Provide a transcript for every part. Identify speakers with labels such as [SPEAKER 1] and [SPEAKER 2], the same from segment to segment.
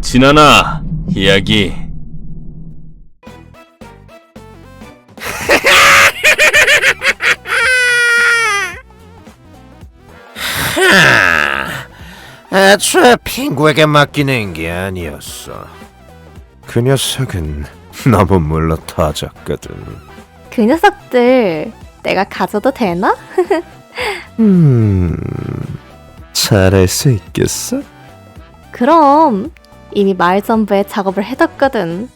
[SPEAKER 1] 진아나, 이야기.
[SPEAKER 2] 애초에 핑구에게 맡기는 게 아니었어. 그 녀석은 너무 물러터졌거든.
[SPEAKER 3] 그 녀석들 내가 가져도 되나?
[SPEAKER 2] 잘할 수 있겠어?
[SPEAKER 3] 그럼 이미 마을 전부에 작업을 해뒀거든.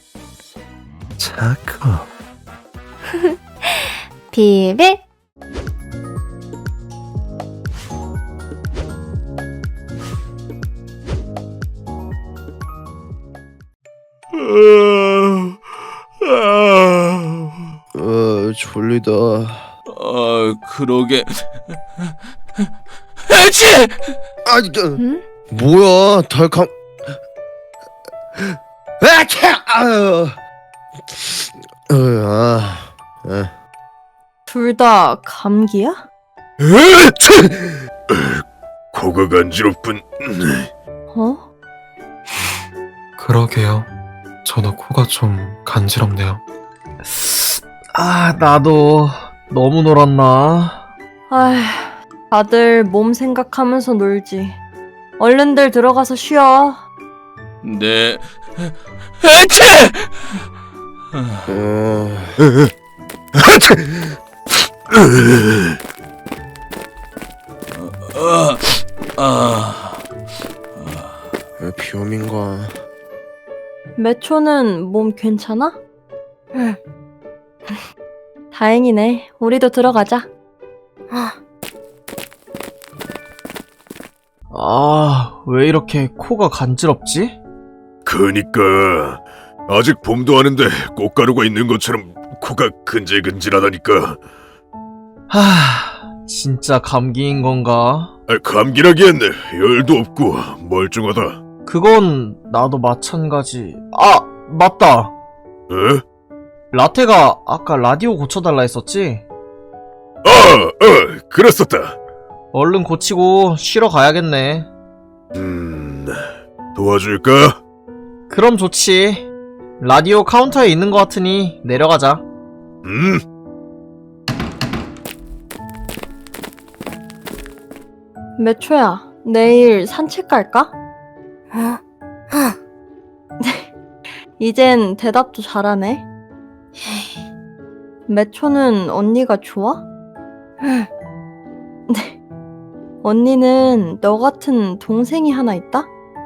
[SPEAKER 2] 작업.
[SPEAKER 3] 비밀.
[SPEAKER 2] 졸리다.
[SPEAKER 1] 그러게. 에치!
[SPEAKER 3] 응?
[SPEAKER 2] 뭐야, 달감.
[SPEAKER 3] 둘 다 감기야?
[SPEAKER 2] 코가 간지럽군.
[SPEAKER 3] 어?
[SPEAKER 4] 그러게요. 저도 코가 좀 간지럽네요. 나도 너무 놀았나?
[SPEAKER 5] 아휴, 다들 몸 생각하면서 놀지. 얼른들 들어가서 쉬어.
[SPEAKER 1] 네. 에치!
[SPEAKER 2] 비염인가?
[SPEAKER 5] 매초는 몸 괜찮아? 응. 다행이네. 우리도 들어가자.
[SPEAKER 4] 왜 이렇게 코가 간지럽지?
[SPEAKER 6] 그니까 아직 봄도 아닌데 꽃가루가 있는 것처럼 코가 근질근질하다니까.
[SPEAKER 4] 진짜 감기인 건가?
[SPEAKER 6] 감기라기엔 열도 없고 멀쩡하다.
[SPEAKER 4] 그건 나도 마찬가지. 맞다.
[SPEAKER 6] 에?
[SPEAKER 4] 라테가 아까 라디오 고쳐달라 했었지?
[SPEAKER 6] 그랬었다.
[SPEAKER 4] 얼른 고치고 쉬러 가야겠네.
[SPEAKER 6] 도와줄까?
[SPEAKER 4] 그럼 좋지. 라디오 카운터에 있는 것 같으니 내려가자.
[SPEAKER 5] 매초야, 내일 산책 갈까? 이젠 대답도 잘하네. 매초는 언니가 좋아? 언니는 너 같은 동생이 하나 있다?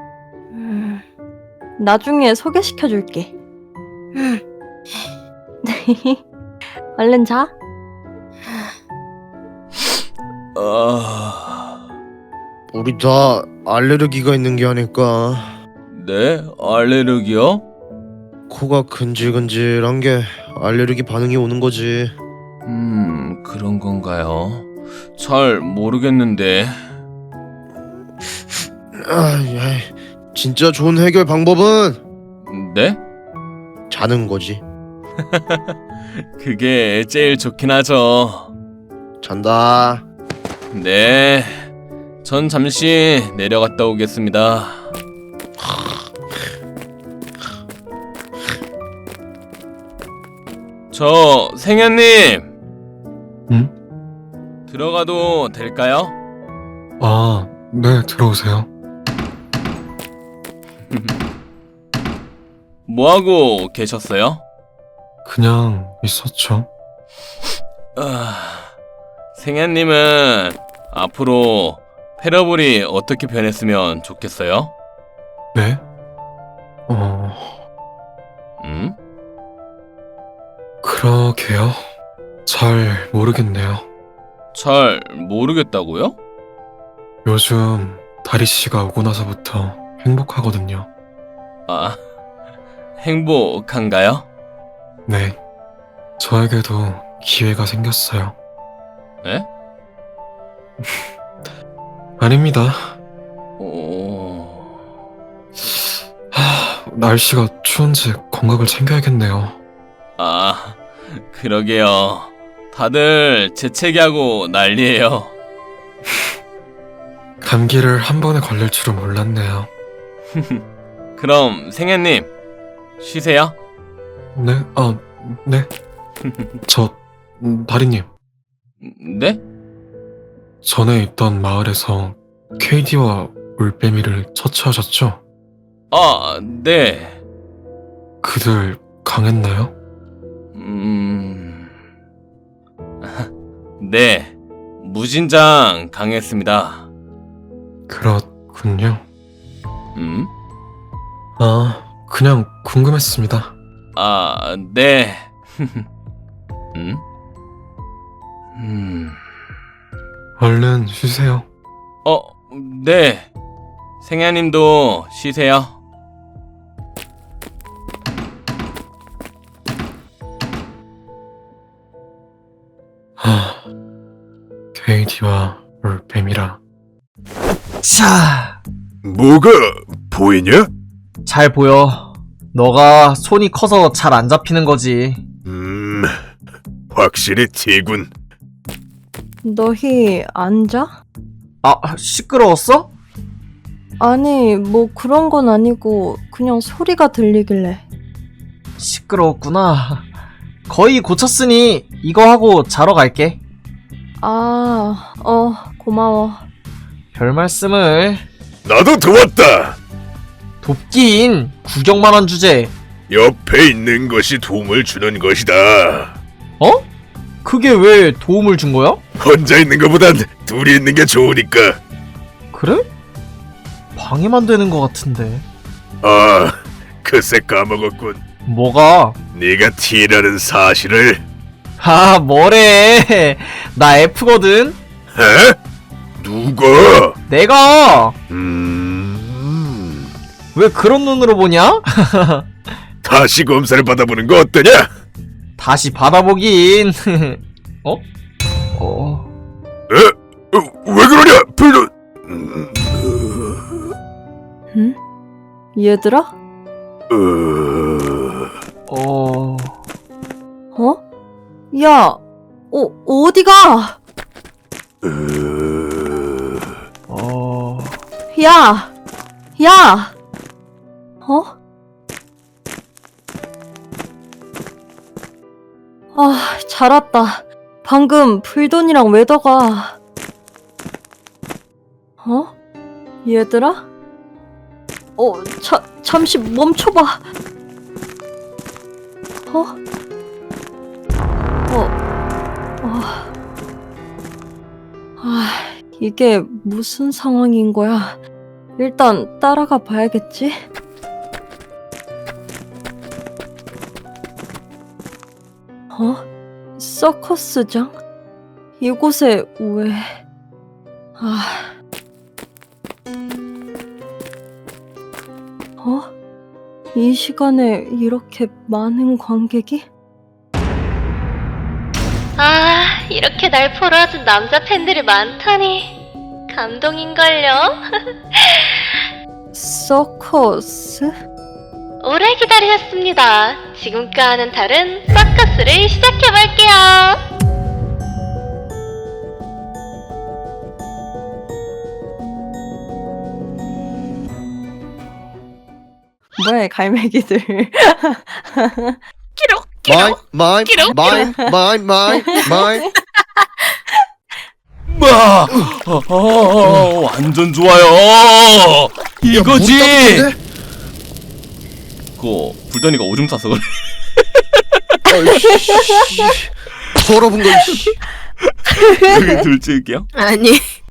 [SPEAKER 5] 나중에 소개시켜줄게. 얼른 자.
[SPEAKER 2] 우리 다 알레르기가 있는 게 아닐까?
[SPEAKER 1] 네? 알레르기요?
[SPEAKER 2] 코가 근질근질한 게 알레르기 반응이 오는 거지.
[SPEAKER 1] 그런 건가요? 잘 모르겠는데.
[SPEAKER 2] 진짜 좋은 해결 방법은
[SPEAKER 1] 네?
[SPEAKER 2] 자는 거지.
[SPEAKER 1] 그게 제일 좋긴 하죠.
[SPEAKER 2] 잔다.
[SPEAKER 1] 네. 전 잠시 내려갔다 오겠습니다. 저 생현님.
[SPEAKER 4] 응?
[SPEAKER 1] 들어가도 될까요?
[SPEAKER 4] 네, 들어오세요.
[SPEAKER 1] 뭐하고 계셨어요?
[SPEAKER 4] 그냥 있었죠.
[SPEAKER 1] 생현님은 앞으로 페러블이 어떻게 변했으면 좋겠어요?
[SPEAKER 4] 네? 그러게요. 잘 모르겠네요.
[SPEAKER 1] 잘 모르겠다고요?
[SPEAKER 4] 요즘 다리씨가 오고 나서부터 행복하거든요.
[SPEAKER 1] 행복한가요?
[SPEAKER 4] 네. 저에게도 기회가 생겼어요.
[SPEAKER 1] 네?
[SPEAKER 4] 아닙니다. 날씨가 추운지 건강을 챙겨야겠네요.
[SPEAKER 1] 그러게요. 다들 재채기하고 난리예요.
[SPEAKER 4] 감기를 한 번에 걸릴 줄은 몰랐네요.
[SPEAKER 1] 그럼 생현님 쉬세요.
[SPEAKER 7] 네? 네. 다리님,
[SPEAKER 1] 네?
[SPEAKER 7] 전에 있던 마을에서 KD와 올빼미를 처치하셨죠?
[SPEAKER 1] 아, 네.
[SPEAKER 7] 그들 강했나요?
[SPEAKER 1] 네. 무진장 강했습니다.
[SPEAKER 7] 그렇군요.
[SPEAKER 1] 음?
[SPEAKER 7] 그냥 궁금했습니다.
[SPEAKER 1] 아, 네.
[SPEAKER 7] 얼른 쉬세요.
[SPEAKER 1] 네. 생야님도 쉬세요.
[SPEAKER 7] KD와 올빼미라.
[SPEAKER 4] 자,
[SPEAKER 6] 뭐가 보이냐?
[SPEAKER 4] 잘 보여. 너가 손이 커서 잘 안 잡히는 거지.
[SPEAKER 6] 확실히 T군.
[SPEAKER 5] 너희 앉아?
[SPEAKER 4] 아, 시끄러웠어?
[SPEAKER 5] 아니, 뭐 그런 건 아니고 그냥 소리가 들리길래.
[SPEAKER 4] 시끄러웠구나. 거의 고쳤으니 이거 하고 자러 갈게.
[SPEAKER 5] 아, 고마워.
[SPEAKER 4] 별 말씀을.
[SPEAKER 6] 나도 도왔다.
[SPEAKER 4] 돕긴 구경만 한 주제.
[SPEAKER 6] 옆에 있는 것이 도움을 주는 것이다.
[SPEAKER 4] 어? 그게 왜 도움을 준 거야?
[SPEAKER 6] 혼자 있는 것보단 둘이 있는 게 좋으니까.
[SPEAKER 4] 그래? 방해만 되는 것 같은데.
[SPEAKER 6] 아, 글쎄 까먹었군.
[SPEAKER 4] 뭐가?
[SPEAKER 6] 네가 T라는 사실을.
[SPEAKER 4] 아, 뭐래. 나 F거든.
[SPEAKER 6] 에? 누가?
[SPEAKER 4] 내가.
[SPEAKER 6] 왜
[SPEAKER 4] 그런 눈으로 보냐?
[SPEAKER 6] 다시 검사를 받아보는 거 어떠냐?
[SPEAKER 4] 다시 받아보긴.
[SPEAKER 6] 왜 그러냐? 별로.
[SPEAKER 5] 응? 얘들아? 야, 어디가? 야! 아, 잘 왔다. 방금 불돈이랑 웨더가. 얘들아? 잠시 멈춰봐. 이게 무슨 상황인 거야? 일단 따라가 봐야겠지? 서커스장? 이곳에 왜... 이 시간에 이렇게 많은 관객이?
[SPEAKER 3] 이렇게 날 보러 와준 남자 팬들이 많다니 감동인걸요?
[SPEAKER 5] 서커스?
[SPEAKER 3] 오래 기다리셨습니다. 지금과는 다른 서커스를 시작해볼게요.
[SPEAKER 5] 뭐야, 이 갈매기들.
[SPEAKER 2] 마이
[SPEAKER 1] 완전 좋아요. 이거지. 그거 불던이가 오줌 싸서 그래.
[SPEAKER 2] 더러운 거.
[SPEAKER 1] 둘 찍을게요.
[SPEAKER 8] 아니